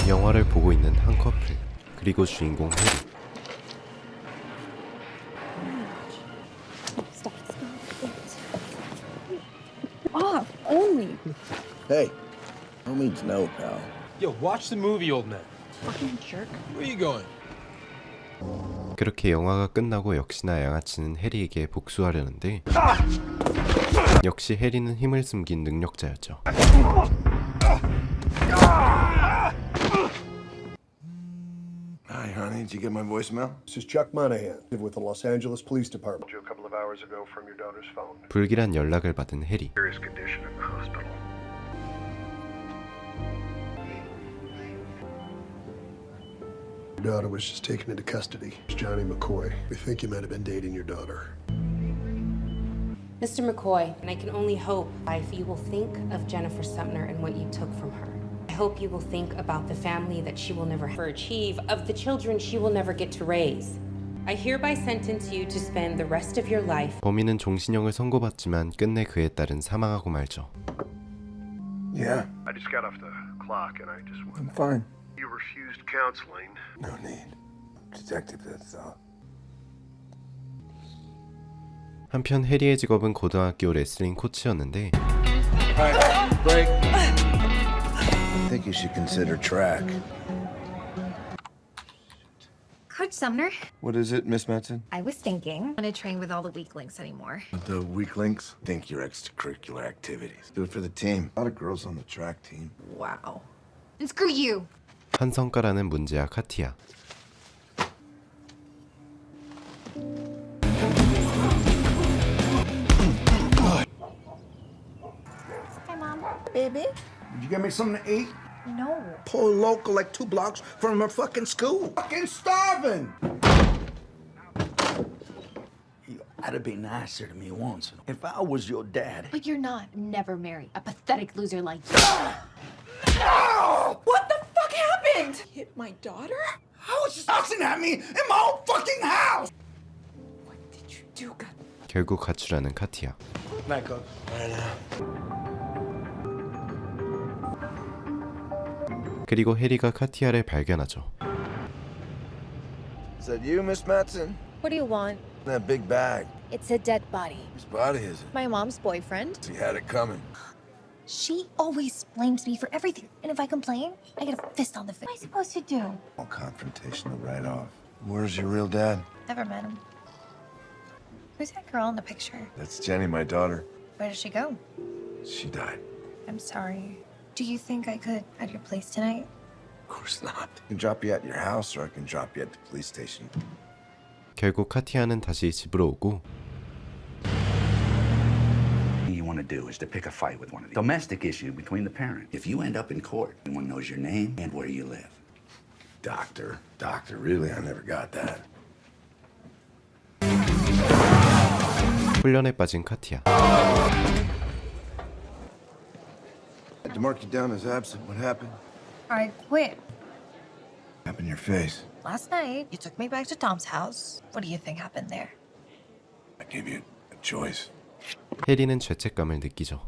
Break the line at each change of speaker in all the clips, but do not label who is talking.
영화를 보고 있는 한 커플, 그리고 주인공 해리.
Only.
Hey, no means no, pal.
Yo, watch the movie, old man.
Fucking jerk.
Where you going?
그렇게 영화가 끝나고 역시나 양아치는 해리에게 복수하려는데 역시 해리는 힘을 숨긴 능력자였죠.
Hi, honey. Did you get my voicemail?
This is Chuck Monahan with the Los Angeles Police Department. A couple of hours ago from your daughter's phone.
불길한 연락을 받은 해리.
Serious condition in the hospital. Your daughter was just taken into custody. It's Johnny McCoy. We think you might have been dating your daughter.
Mr. McCoy, and I can only hope if you will think of Jennifer Sumner and what you took from her. I hope you will think about the family that she will never ever achieve, of the children she will never get to raise. I hereby sentence you to spend the rest of your life.
범인은 종신형을 선고받지만 끝내 그의 딸은 사망하고 말죠.
Yeah.
I just got off the clock and I just
I'm
went.
fine.
You refused counseling.
No need. Detective, that's all.
한편 해리의 직업은 고등학교 레슬링 코치였는데
Alright, break. I think you should consider track.
Coach Sumner,
What is it, Miss Matson?
I was thinking, I don't want to train with all the weak links anymore.
The weak links? Think your extracurricular activities. Do it for the team. A lot of girls on the track team.
Wow. And screw you.
한 성과라는 문제야 카티야.
Hi, Mom.
Baby?
Did you get me something to eat?
No.
Pull local like 2 blocks from her fucking school.
Fucking starving!
You gotta be nicer to me once. If I was your dad.
But you're not. Never marry a pathetic loser like you.
What the fuck happened? Hit my daughter?
How was she tossing at me in my own fucking house?
What did you do, God?
결국 가출하는 카티야.
Night, Coach.
그리고 해리가 카티아를 발견하죠.
Is that you, Miss Matson?
What do you want?
That big bag.
It's a dead body.
Whose body is it?
My mom's boyfriend.
She had it coming.
She always blames me for everything. And if I complain, I get a fist on the face. What am I supposed to do?
All confrontational right off. Where's your real dad?
Never met him. Who's that girl in the picture?
That's Jenny, my daughter.
Where did she go?
She died.
I'm sorry. Do you think I could at your place tonight?
Of course not. I can drop you at your house or I can drop you at the police station.
결국 카티아는 다시 집으로 오고
You want to do is to pick a fight with one of the domestic issue between the parents. If you end up in court, everyone knows your name and where you live.
Doctor, really? I never got that.
훈련에 빠진 카티아.
Had to mark you down as absent. What happened?
I quit.
What happened in your face?
Last night, you took me back to Tom's house. What do you think happened there?
I gave you a choice.
해리는 죄책감을 느끼죠.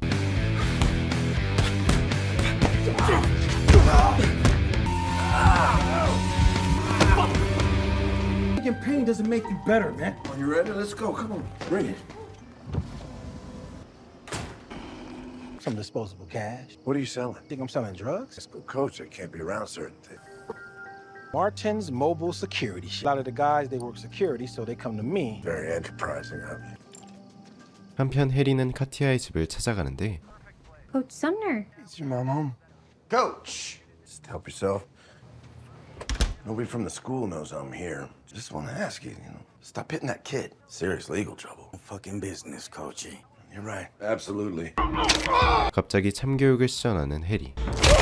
Taking pain doesn't make you better, man.
You ready? Let's go. Come on. Bring it.
Some disposable cash.
What are you selling?
Think I'm selling drugs?
Let's go, coach. I can't be around certain things.
Martin's Mobile Security. A lot of the guys, they work security, so they come to me.
Very enterprising of you.
한편 해리는 카티아의 집을 찾아가는데
Coach Sumner.
Is your mom home? Coach! Just help yourself. Nobody from the school knows I'm here. Just want to ask you, stop hitting that kid. Serious legal trouble.
Fucking business, Coachy.
You're right. Absolutely.
갑자기 참교육을 시전하는 해리.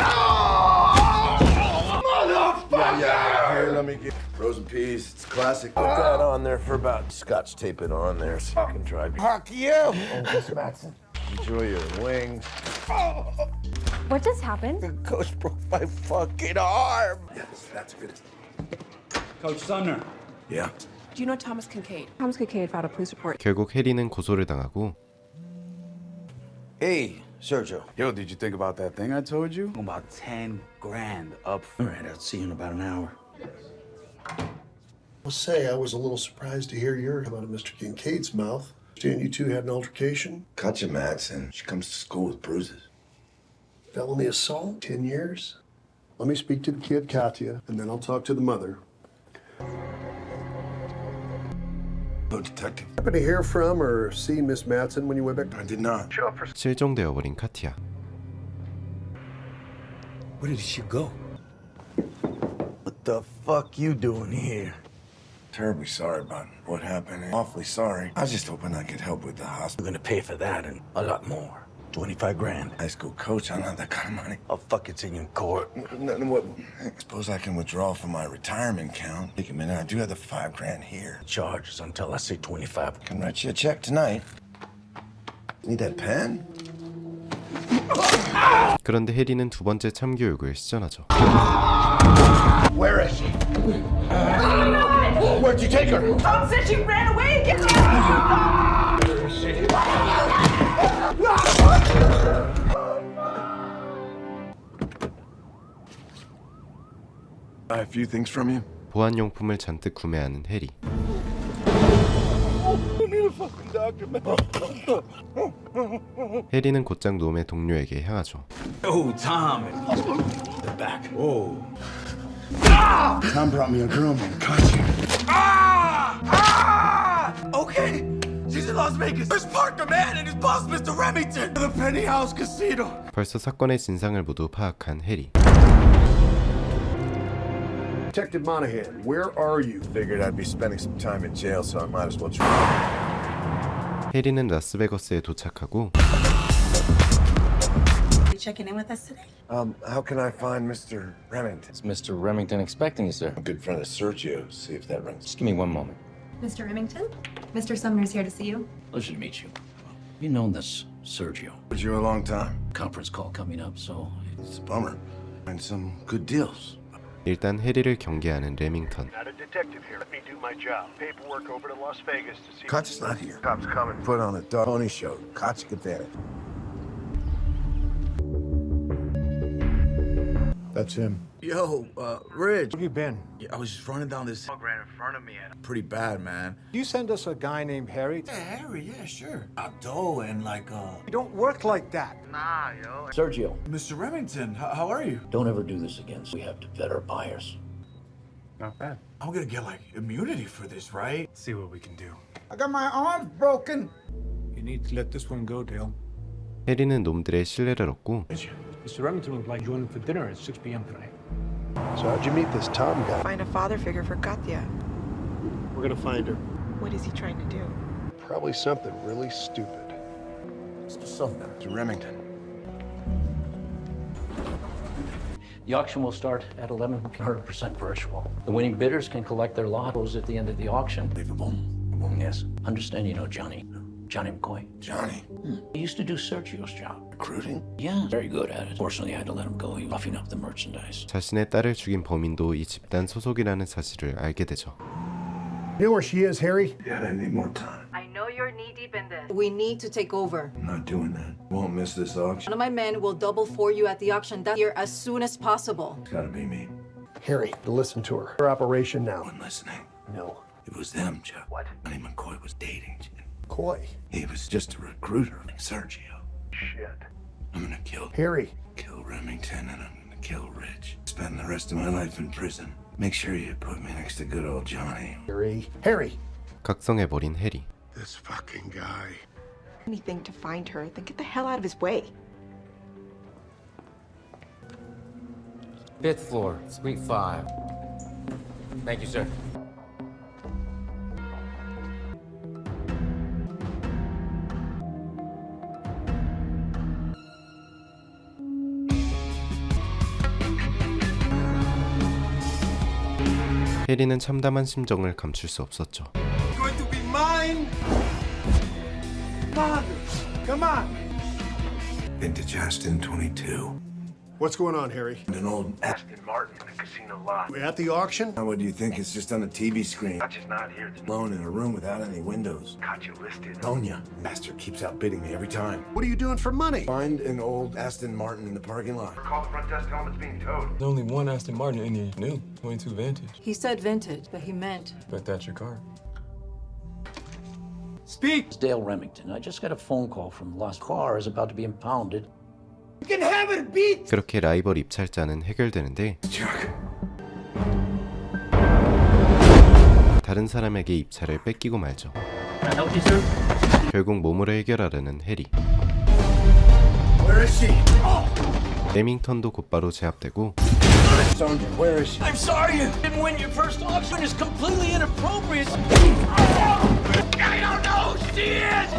Yeah. Here, let me get frozen peas. It's classic. Put that on there for about. Scotch tape it on there so you can drive. Fuck you! Oh, Miss Matson. Enjoy your wings.
What just happened?
The coach broke my fucking arm.
Yes, that's good.
Coach Sumner.
Yeah.
Do you know Thomas Kincaid? Thomas Kincaid filed a police report.
결국 해리는 고소를 당하고
Hey,
Sergio.
Yo, did you think about that thing I told you? About 10 grand up. All right, I'll see you in about an hour.
I'll say I was a little surprised to hear your come out of Mr. Kincaid's mouth. Understand you two had an altercation?
Katja Madsen. She comes to school with bruises.
Felony assault? 10 years? Let me speak to the kid, Katya, and then I'll talk to the mother.
No detective.
Happen to hear from or see Miss Madsen when you went back?
I did not. Show up for.
실종되어 버린 카티아.
Where did she go? What the fuck you doing here? Terribly sorry about what happened. Awfully sorry. I was just hoping I could help with the hospital.
We're gonna pay for that and a lot more. 25 grand.
High school coach, I don't have that kind of money.
I'll fuck it to you in court.
What? I suppose I can withdraw from my retirement account. Take a minute. I do have the 5 grand here.
Charges until I say 25.
Can write you a check tonight. Need that pen?
그런데 해리는 두 번째 참교육을 시전하죠.
Where is she? Where'd you take her?
Tom said she ran away. Get her!
Where is she? I have a few things from you.
보안용품을 잔뜩 구매하는 해리. 해리는 곧장 놈의 동료에게 향하죠.
Oh, Tom. The back. Oh.
Tom brought me a girl named Katja.
Okay. She's in Las Vegas. There's Parker, man, and his boss, Mr. Remington. The Penny House Casino.
벌써 사건의 진상을 모두 파악한 해리.
Detective Monahan, where are you?
Figured I'd be spending some time in jail, so I might as well try.
해리는 라스베거스에 도착하고
Checking in with us today?
How can I find Mr. Remington?
Is Mr. Remington expecting you, sir?
I'm a good friend of Sergio. See if that rings.
Just give me one moment.
Mr. Remington? Mr. Sumner's here to see you.
Pleasure to meet you. You known this Sergio.
Was you a long time?
Conference call coming up, so
It's a bummer. Find some good deals.
일단 해리를 경계하는 레밍턴.
Not a detective here. Let me do my job. Paperwork over to Las Vegas to see.
Katja's not here. Cops coming. Put on a dog pony show. Katja get there.
That's him.
Yo, Rich.
Where you been?
Yeah, I was just running down this ran in front of me and pretty bad, man.
You send us a guy named Harry?
Yeah, Harry, yeah, sure. Abdo and
You don't work like that.
Sergio,
Mr. Remington, how are you?
don't ever do this again. We have to vet our buyers.
Not bad.
I'm gonna get like immunity for this, right?
See what we can do.
I got my arms broken. You need to let this one go, Dale.
해리는 놈들의 신뢰를 얻고
Mr. Remington would like joining for dinner at 6 p.m. tonight.
So how'd you meet this Tom guy?
Find a father figure for Katya.
We're gonna find her.
What is he trying to do?
Probably something really stupid.
Mr. Sumner.
To Remington.
The auction will start at 1100% virtual. The winning bidders can collect their lottos at the end of the auction.
Unbelievable.
Yes. Understand you know Johnny. Johnny McCoy.
Johnny.
He used to do Sergio's job.
Recruiting?
Yeah, very good at it. Fortunately, I had to let him go. He was roughing up the merchandise.
자신의 딸을 죽인 범인도 이 집단 소속이라는 사실을 알게 되죠.
You know where she is, Harry?
Yeah, I need more time.
I know you're knee-deep in this.
We need to take over.
I'm not doing that. Won't miss this auction.
One of my men will double for you at the auction that year as soon as possible.
It's gotta be me.
Harry, listen to her. Her operation now.
One listening.
No.
It was them, Joe. What? Johnny McCoy was dating Jen.
Coy.
He was just a recruiter like Sergio.
Shit.
I'm gonna kill Remington and I'm gonna kill Rich. Spend the rest of my life in prison. Make sure you put me next to good old Johnny.
Harry.
각성해버린 해리.
This fucking guy.
Anything to find her, then get the hell out of his way.
5th floor, suite 5. Thank you, sir.
해리는 참담한 심정을 감출 수 없었죠.
Going to be mine.
Come on.
Vintage Aston 22.
What's going on, Harry?
An old Aston Martin in the casino lot.
We at the auction?
Now, what do you think? It's just on the TV screen. Gotcha's not here. Alone in a room without any windows. Gotcha listed. Sonia. Master keeps outbidding me every time.
What are you doing for money?
Find an old Aston Martin in the parking lot. Call the front desk, tell them it's being towed.
There's only one Aston Martin in here. New. 22 Vantage.
He said vintage, but he meant
Bet that's your car.
Speak! It's Dale Remington. I just got a phone call from Lost Car is about to be impounded.
그렇게 라이벌 입찰자는 해결되는데 다른 사람에게 입찰을 뺏기고 말죠. 결국 몸으로 해결하려는 해리.
Where is she?
레밍턴도 곧바로 제압되고
Sonia, where is she?
I'm sorry you didn't win your first auction. It's completely inappropriate. I don't know who she is!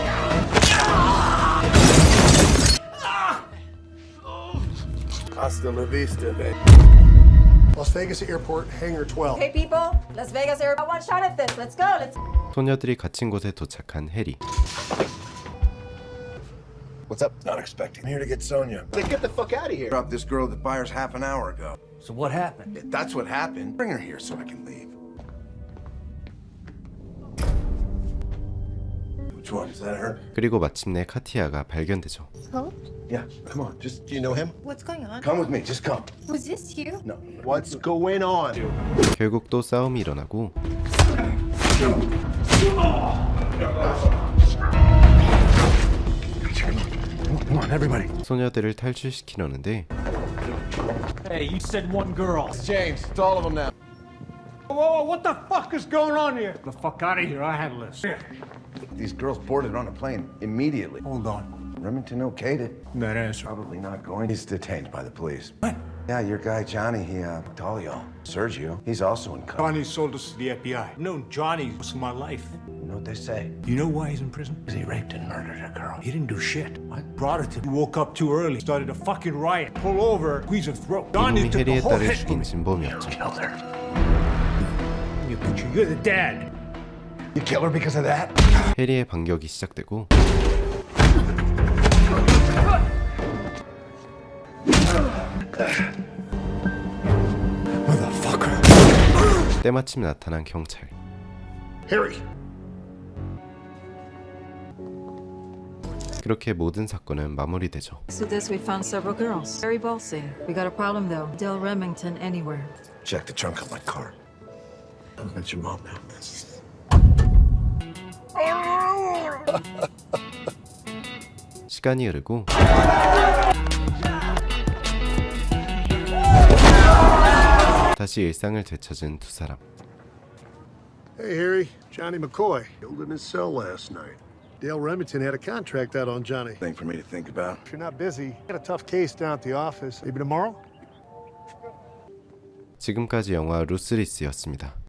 Hasta la vista, babe.
Las Vegas Airport, Hangar 12.
Hey people, Las Vegas Air. I want a shot at this. Let's go. Let's.
소녀들이 갇힌 곳에 도착한 해리.
What's up? Not expecting. I'm here to get Sonia.
Then get the fuck out of here.
Dropped this girl at the buyer's half an hour ago.
So what happened?
Yeah, that's what happened. Bring her here so I can leave. Which one? Is that her?
그리고 마침내 카티아가 발견되죠.
Hope?
Yeah, come on. Just
Do you know him?
What's going on?
come with me. Just come.
Was this you?
No.
What's going on?
결국 또 싸움이 일어나고
Come on, everybody.
소녀들을 탈출시키려는데
Hey, you said one girl.
James, it's all of them now.
Whoa, what the fuck is going on here? The fuck out of here. I handle this.
These girls boarded on a plane immediately.
Hold on.
Remington okayed it.
That answer.
Probably not going. He's detained by the police. What? Yeah, your guy Johnny, Talio, Sergio, he's also in custody.
Johnny sold us to the FBI. I've known Johnny most of my life.
You know what they say?
You know why he's in prison?
Because he raped and murdered a girl.
He didn't do shit. What? Brought her to. He woke up too early. Started a fucking riot. Pull over, squeeze her throat. Johnny
이놈이
took the
해리의
whole
딸을
hit.
죽인 진범이었죠.
Killed her.
You picture, you're the dad.
You kill her because of that?
해리의 반격이 시작되고
Motherfucker.
때마침 나타난 경찰.
Harry.
그렇게 모든 사건은 마무리되죠.
So this we found several girls. Very ballsy. We got a problem though. Dale Remington anywhere.
Check the trunk of my car. That's your mom now.
시간이 흐르고 다시 일상을 되찾은 두 사람.
Hey, Harry. Johnny McCoy. Killed in his cell last night. Dale Remington had a contract out on Johnny.
Thing for me to think about.
If you're not busy, got a tough case down at the office. Maybe tomorrow?
지금까지 영화 루스리스였습니다.